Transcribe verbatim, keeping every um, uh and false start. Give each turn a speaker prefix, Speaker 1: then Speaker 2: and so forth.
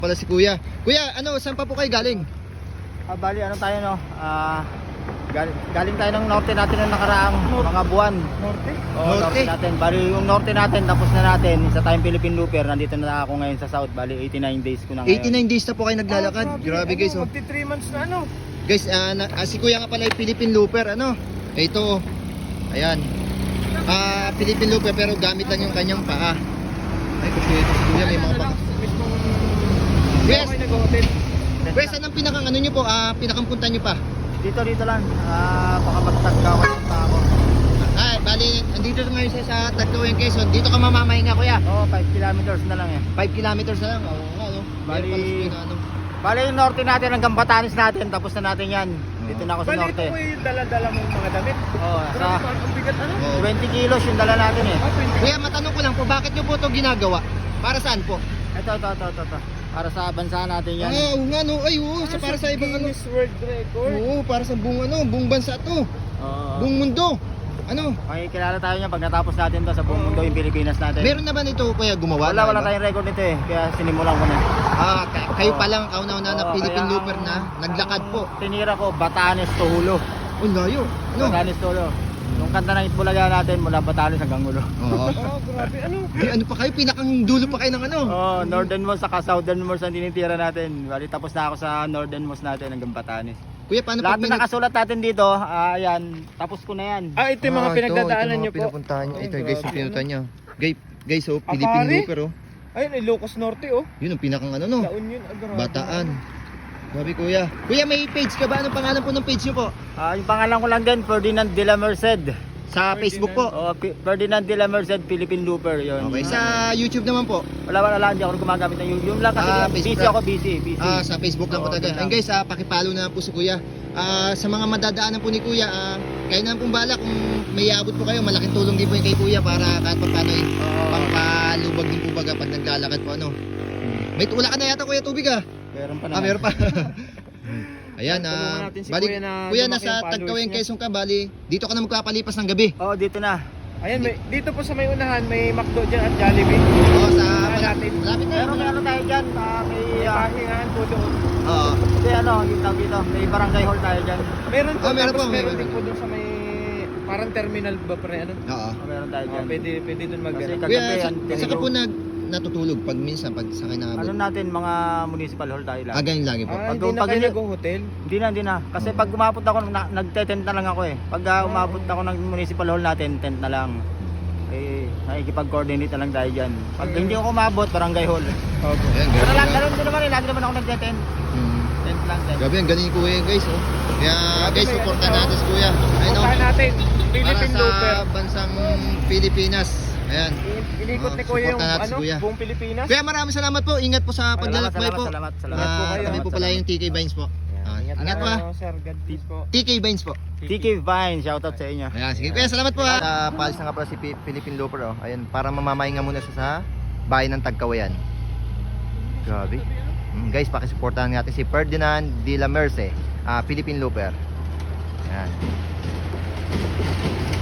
Speaker 1: Pala si Kuya. Kuya, ano, saan pa po kayo galing?
Speaker 2: Ah, bali, ano tayo no? Ah, galing, galing tayo ng norte natin ng nakaraang mga buwan.
Speaker 3: Norte?
Speaker 2: Oo,
Speaker 1: Norte?
Speaker 2: norte natin. Bali, yung norte natin, tapos na natin. Isa tayong Philippine Looper. Nandito na ako ngayon sa south. Bali, eighty-nine days ko na ngayon.
Speaker 1: eighty-nine days na po kayo naglalakad.
Speaker 3: Ah,
Speaker 1: Grabe guys, oh.
Speaker 3: Magti three months na ano.
Speaker 1: Guys, ah, na, ah, si Kuya nga pala ay Philippine Looper, ano? Ito, oh. Ayan. Ah, Philippine Looper pero gamit lang yung kanyang paa. Ay, kasi ito si Kuya may mga paa.
Speaker 3: Mismong...
Speaker 1: Yes.
Speaker 3: Ako nag-hotel.
Speaker 1: Kuya, saan ang pinakang ano nyo po? Ah, pinakang punta nyo pa?
Speaker 2: Dito, dito lang. Ah, baka matagkawan pa ako.
Speaker 1: Ah, bali, andito ngayon sa, sa Tagkawayan, Quezon. Dito ka mamamahinga, Kuya.
Speaker 2: Oo, five kilometers na lang eh.
Speaker 1: five kilometers na lang. Oo, nga, no?
Speaker 2: Bali-
Speaker 1: Meron pala si Kuya na, ano.
Speaker 2: Bali, yung norte natin hanggang Batanes natin. Tapos na natin yan. Dito na ako sa
Speaker 3: Bali, ito
Speaker 2: norte.
Speaker 3: ko yung dala-dala mong mga damit.
Speaker 2: Oo,
Speaker 3: Grabe,
Speaker 2: sa
Speaker 3: ang bigat ano?
Speaker 1: Oo.
Speaker 2: twenty kilos yung dala natin eh.
Speaker 3: Ah, twenty.
Speaker 1: Kuya, matanong ko lang po, bakit nyo po ito ginagawa? Para saan po?
Speaker 2: Ito, ito, ito, ito, ito. Para sa bansa natin yan.
Speaker 1: Ah, oo nga, no? Ay, oo, sa para sa ibang ano.
Speaker 3: Guinness World Record.
Speaker 1: Oo, para sa buong ano, buong bansa to.
Speaker 2: Oo.
Speaker 1: Buong mundo. Ano?
Speaker 2: Makikilala tayo niyan pag natapos natin to sa buong mundo yung Pilipinas natin.
Speaker 1: Meron na ba nito Kuya gumawa?
Speaker 2: Wala,
Speaker 1: na
Speaker 2: wala
Speaker 1: iba?
Speaker 2: tayong record nito eh. Kaya sinimulan ko na.
Speaker 1: Ah, kay- kayo pa lang kauna-una na
Speaker 2: Oo,
Speaker 1: Philippine
Speaker 2: kaya
Speaker 1: Looper
Speaker 2: ang-
Speaker 1: na naglakad po.
Speaker 2: ang Tinira ko, Batanes to Hulo.
Speaker 1: Oh, layo. Ano?
Speaker 2: Batanes to Hulo. Yung kanta ng Itbulaga natin mula Batanes hanggang Hulo.
Speaker 1: Oo.
Speaker 3: Oh, grabe. Ano?
Speaker 1: Di, ano pa kayo? Pinakang dulo pa kayo ng ano?
Speaker 2: Oh, northernmost saka southernmost ang tinitira natin. Bali tapos na ako sa northernmost natin hanggang Batanes.
Speaker 1: Kuya, paano
Speaker 2: Lahat
Speaker 1: pag may
Speaker 2: na nakasulat natin dito, ah, ayan, tapos ko na yan.
Speaker 3: Ah, ito yung mga
Speaker 1: Ah,
Speaker 3: pinagdadaanan
Speaker 1: ito,
Speaker 3: nyo
Speaker 1: ito,
Speaker 3: po.
Speaker 1: mga pinapuntahan nyo.
Speaker 3: Oh,
Speaker 1: Ito guys, yung
Speaker 3: grabe,
Speaker 1: pinuntahan
Speaker 3: ano?
Speaker 1: nyo. Guys, guys, oh,
Speaker 3: Ah,
Speaker 1: Philippine
Speaker 3: pare?
Speaker 1: Looper, oh.
Speaker 3: Ayun, Ilocos Norte, oh.
Speaker 1: Yun ang pinakang ano, no?
Speaker 3: La Union, ah, grabe.
Speaker 1: Bataan. Grabe, Kuya. Kuya, may page ka ba? Anong pangalan po ng page nyo po?
Speaker 2: Ah, yung pangalan ko lang din, Ferdinand de la Merced.
Speaker 1: Sa Facebook po.
Speaker 2: Oh, P- Ferdinand de la Merced, Philippine Looper, yun.
Speaker 1: Okay, sa YouTube naman po.
Speaker 2: Wala, wala lang, hindi ako gumagamit ng yung, yung lang kasi
Speaker 1: Ah,
Speaker 2: busy
Speaker 1: Facebook.
Speaker 2: ako, busy, busy.
Speaker 1: Ah, sa Facebook lang po
Speaker 2: Oo,
Speaker 1: talaga.
Speaker 2: yun
Speaker 1: And
Speaker 2: lang.
Speaker 1: guys, ah, pakipalo na po si Kuya. Ah, sa mga madadaanan po ni Kuya, ah, kayo na pong bala kung may abot po kayo, malaking tulong din po yung kay Kuya para kahit pa paano eh,
Speaker 2: Oo.
Speaker 1: pampalubag din po baga pag naglalakad po ano. May wala ka na yata Kuya tubig ah.
Speaker 2: Meron pa naman.
Speaker 1: Ah, meron pa. Ayan,
Speaker 3: Tulungan
Speaker 1: ah,
Speaker 3: natin si
Speaker 1: bali,
Speaker 3: Kuya na
Speaker 1: Kuya,
Speaker 3: lumaki
Speaker 1: nasa
Speaker 3: ang followers
Speaker 1: Tagkawayan,
Speaker 3: niya.
Speaker 1: Quezon ka, bali, dito ka na magpapalipas ng gabi.
Speaker 2: Oo, dito na.
Speaker 3: Ayan, may, dito po sa may unahan, may McDo dyan at Jollibee.
Speaker 1: Oo, sa
Speaker 3: Tingnan natin.
Speaker 1: malapit na.
Speaker 2: Pero may ano tayo dyan, ah, may,
Speaker 3: May
Speaker 2: ah,
Speaker 3: pahingahan po doon.
Speaker 1: Oo.
Speaker 2: hindi ano, yung tawag dito, may barangay hall tayo dyan.
Speaker 3: Meron po,
Speaker 1: Ah, meron
Speaker 3: tapos
Speaker 1: po,
Speaker 3: meron
Speaker 1: meron.
Speaker 3: din po doon sa may parang terminal ba pre ano?
Speaker 1: Oo.
Speaker 2: Oh, meron tayo
Speaker 3: Oh,
Speaker 2: dyan.
Speaker 3: pwede pwede doon mag
Speaker 2: Kasi
Speaker 3: ano.
Speaker 2: kagabi,
Speaker 1: Kuya, sa,
Speaker 2: yan,
Speaker 1: saan ka
Speaker 2: tinuro.
Speaker 1: po nag, natutulog pag minsan, pag sa
Speaker 2: Ano
Speaker 1: kinabot?
Speaker 2: natin, mga municipal hall tayo lang.
Speaker 1: Ah, ganyan lagi po.
Speaker 3: Ah,
Speaker 2: Pag-
Speaker 3: hindi na
Speaker 2: pag
Speaker 3: kayo
Speaker 2: hindi-
Speaker 3: nag-hotel?
Speaker 2: Hindi na, hindi na. Kasi pag umabot ako, na, nagte-tent na lang ako eh. Pag ah, umabot ako ng municipal hall natin, tent na lang. Eh, nakikipag-coordinate na lang tayo dyan. Pag hindi ako umabot, barangay hall.
Speaker 3: Opo.
Speaker 1: Ayan,
Speaker 2: Pero
Speaker 1: grabe.
Speaker 2: lang, ganun din naman eh. Lagi naman ako nagte-tent.
Speaker 1: Hmm.
Speaker 2: Tent lang, tent.
Speaker 1: Grabe, ang galing ni Kuya guys, oh. Kaya guys,
Speaker 3: may
Speaker 1: supportan
Speaker 3: ano,
Speaker 1: natin si Kuya. Ayun, oh.
Speaker 3: Puntahan natin,
Speaker 1: Para
Speaker 3: Philippine Looper.
Speaker 1: sa bansang Pilipinas. Ayan.
Speaker 3: In- Inikot
Speaker 1: Oh,
Speaker 3: ni Kuya yung
Speaker 1: supportan natin si
Speaker 3: ano,
Speaker 1: Kuya.
Speaker 3: buong Pilipinas.
Speaker 1: Kuya, maraming salamat po. Ingat po sa
Speaker 2: Salamat,
Speaker 1: paglalakbay
Speaker 2: salamat,
Speaker 1: po.
Speaker 2: salamat, salamat.
Speaker 3: po
Speaker 1: Ah,
Speaker 3: kayo.
Speaker 1: kami po pala yung T K Vines po. Ah,
Speaker 3: Ingat,
Speaker 1: ingat po,
Speaker 3: po,
Speaker 1: ah.
Speaker 3: sir. God bless po.
Speaker 1: T K Vines po.
Speaker 2: T K Vine, shoutout sa inyo.
Speaker 1: Ayan, sige Kuya, salamat po ha. Uh, paalis na nga pala si P- Philippine Looper, oh. Ayan, para mamamahinga muna siya sa bayan ng Tagkawayan. Grabe. Mm, guys, pakisuportahan natin si Ferdinand de la Merce, ah, Philippine Looper. Ayan.